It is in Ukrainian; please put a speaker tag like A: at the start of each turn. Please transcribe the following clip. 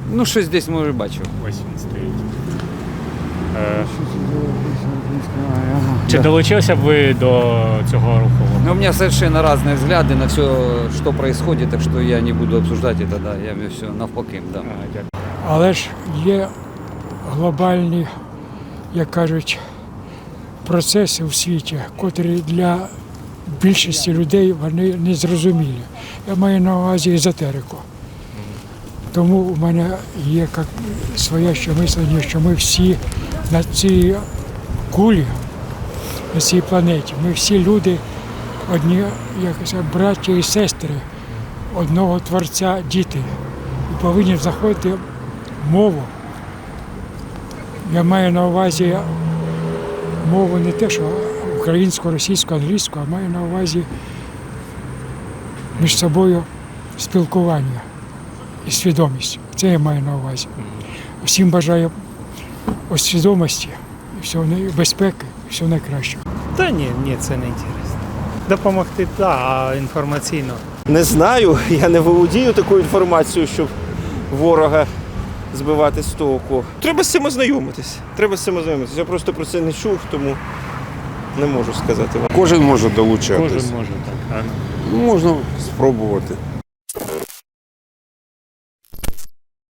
A: Ну, щось десь, може, бачив.
B: Ось він стоїть. Чи долучилися б ви до цього руху?
A: Но у меня совершенно разные взгляды на все, что происходит, так что я не буду обсуждать это, да, я все навпаки, да.
B: Дякую.
C: Але ж є глобальні, як кажуть, процеси у світі, котрі для більшості людей вони незрозумілі. Я маю на увазі езотерику. Тому у мене є як своє ще мислення, що ми всі на цій кулі, на цій планеті, ми всі люди одні, як сказати, браття і сестри одного Творця, діти. І повинні знаходити мову. Я маю на увазі мову не те, що українську, російську, англійську, а маю на увазі між собою спілкування і свідомість. Це я маю на увазі. Всім бажаю свідомості, безпеки, і всього найкращого.
D: Та ні, це не інтересно. Допомогти, так, а інформаційно.
E: Не знаю, я не володію такою інформацією, щоб ворога збивати з толку. Треба з цим ознайомитись. Я просто про це не чув, тому не можу сказати вам.
F: Кожен може долучатись.
B: Кожен може так.
F: Можна спробувати.